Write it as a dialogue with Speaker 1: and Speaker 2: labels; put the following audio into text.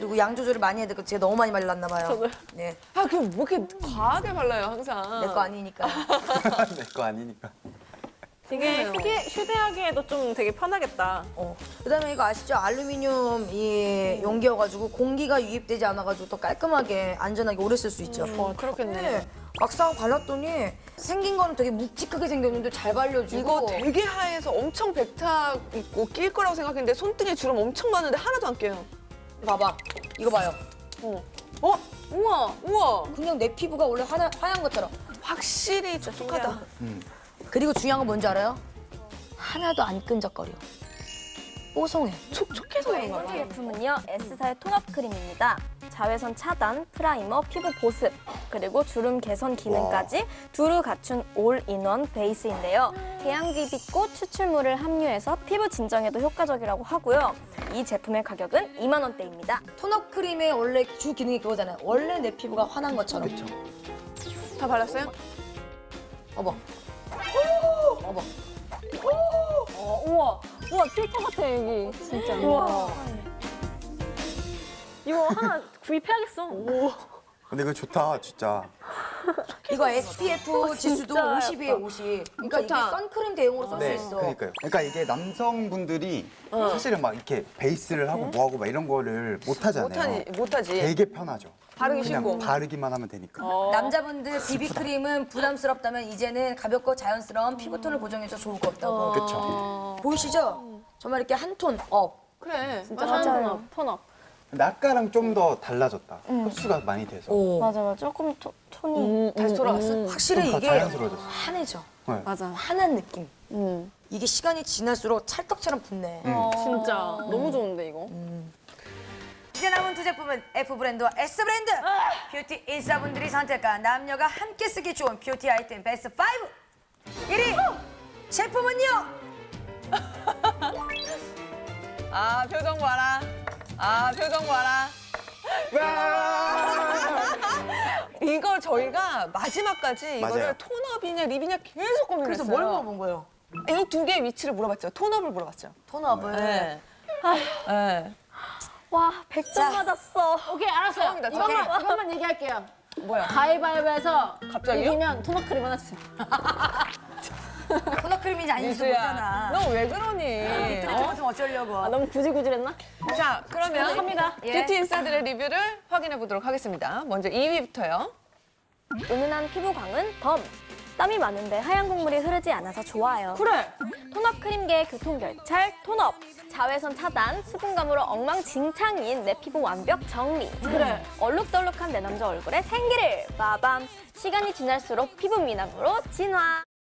Speaker 1: 그리고 양 조절을 많이 해야 되고 제가 너무 많이 발랐나 봐요.
Speaker 2: 저도요.
Speaker 1: 네,
Speaker 3: 아, 그럼 뭐 이렇게 과하게 발라요, 항상.
Speaker 1: 내 거 아니니까.
Speaker 4: 내 거 아니니까.
Speaker 2: 되게 휴대하기에도 좀 되게 편하겠다.
Speaker 1: 그다음에 이거 아시죠? 알루미늄 이 용기여가지고 공기가 유입되지 않아가지고 더 깔끔하게 안전하게 오래 쓸 수 있죠.
Speaker 3: 그렇겠네.
Speaker 1: 네, 막상 발랐더니 생긴 거는 되게 묵직하게 생겼는데 잘 발려주고.
Speaker 3: 이거 되게 하얘서 엄청 백탁 있고 낄 거라고 생각했는데 손등에 주름 엄청 많은데 하나도 안 깨요.
Speaker 1: 봐봐, 이거 봐요.
Speaker 3: 우와, 우와.
Speaker 1: 그냥 내 피부가 원래 하얀 것처럼.
Speaker 3: 확실히 촉촉하다.
Speaker 1: 그리고 중요한 건 뭔지 알아요? 하나도 안 끈적거려. 뽀송해.
Speaker 3: 촉촉해서 그런가 봐.
Speaker 5: 제품은요, S사의 톤업 크림입니다. 자외선 차단, 프라이머, 피부 보습, 그리고 주름 개선 기능까지 두루 갖춘 올인원 베이스인데요. 계양귀빛꽃 추출물을 함유해서 피부 진정에도 효과적이라고 하고요. 이 제품의 가격은 2만 원대입니다.
Speaker 1: 톤업 크림의 원래 주 기능이 그거잖아요. 원래 내 피부가 환한 것처럼.
Speaker 4: 그렇죠.
Speaker 3: 다 발랐어요?
Speaker 1: 어머. 어머.
Speaker 2: 우와, 우와 필터 같아 여기 진짜. 우와. 이거 하나 구입해야겠어.
Speaker 4: 근데 이거 좋다, 진짜.
Speaker 1: 이거 SPF 지수도
Speaker 2: 진짜
Speaker 1: 50이에요, 50. 그러니까
Speaker 3: 좋다.
Speaker 1: 이게 선크림 대용으로 쓸 수
Speaker 4: 네,
Speaker 1: 있어.
Speaker 4: 그러니까요. 그러니까 이게 남성분들이 사실은 막 이렇게 베이스를 하고 뭐하고 막 이런 거를 못 하잖아요.
Speaker 3: 못하지.
Speaker 4: 되게 편하죠.
Speaker 3: 바르기
Speaker 4: 그냥
Speaker 3: 쉽고.
Speaker 4: 바르기만 하면 되니까.
Speaker 1: 남자분들 비비크림은 부담스럽다면 이제는 가볍고 자연스러운 피부톤을 보정해서 좋을 것 같다고.
Speaker 4: 그렇죠.
Speaker 1: 보이시죠? 정말 이렇게 한 톤 업.
Speaker 3: 그래.
Speaker 2: 진짜
Speaker 3: 맞아.
Speaker 2: 톤업.
Speaker 4: 근데 아까랑 좀 더 달라졌다. 흡수가 많이 돼서.
Speaker 5: 맞아요. 조금 톤이
Speaker 3: 다시 돌아왔어?
Speaker 1: 확실히
Speaker 4: 좀더
Speaker 1: 이게
Speaker 4: 자연스러워졌어.
Speaker 1: 환해져.
Speaker 4: 네.
Speaker 2: 맞아.
Speaker 1: 환한 느낌. 이게 시간이 지날수록 찰떡처럼 붙네.
Speaker 2: 진짜 너무 좋은데 이거.
Speaker 1: 이제 남은 두 제품은 F 브랜드와 S 브랜드. 뷰티 인싸분들이 선택한 남녀가 함께 쓰기 좋은 뷰티 아이템 베스트 5. 1위 제품은요.
Speaker 3: 아, 표정 봐라. 아, 표정 봐라. 이걸 저희가 마지막까지 이거를
Speaker 4: 맞아요.
Speaker 3: 톤업이냐 립이냐 계속 고민을
Speaker 1: 그래서
Speaker 3: 했어요.
Speaker 1: 뭘 물어본 거예요?
Speaker 3: 이 두 개의 위치를 물어봤죠. 톤업을 물어봤죠.
Speaker 1: 톤업을.
Speaker 3: 네. 네.
Speaker 5: 와, 100점 맞았어.
Speaker 2: 오케이 알았어요.
Speaker 3: 처음이다,
Speaker 2: 이것만 얘기할게요.
Speaker 3: 뭐야?
Speaker 2: 가위바위보에서
Speaker 3: 갑자기요?
Speaker 2: 이기면 톤업 크림 하나 주세요.
Speaker 1: 톤업 크림인지 아닌지도
Speaker 3: 미수야,
Speaker 1: 모르잖아.
Speaker 3: 너 왜 그러니?
Speaker 1: 좀 어쩌려고.
Speaker 2: 아, 너무 구질구질했나?
Speaker 3: 자, 그러면
Speaker 2: 합니다.
Speaker 1: 예.
Speaker 3: 뷰티 인싸들의 리뷰를 확인해 보도록 하겠습니다. 먼저 2위부터요.
Speaker 5: 은은한 피부광은 덤. 땀이 많은데 하얀 국물이 흐르지 않아서 좋아요.
Speaker 2: 그래.
Speaker 5: 톤업 크림계의 교통결찰 톤업. 자외선 차단, 수분감으로 엉망진창인 내 피부 완벽 정리.
Speaker 2: 그래.
Speaker 5: 얼룩덜룩한 내 남자 얼굴에 생기를. 빠밤. 시간이 지날수록 피부 미남으로 진화.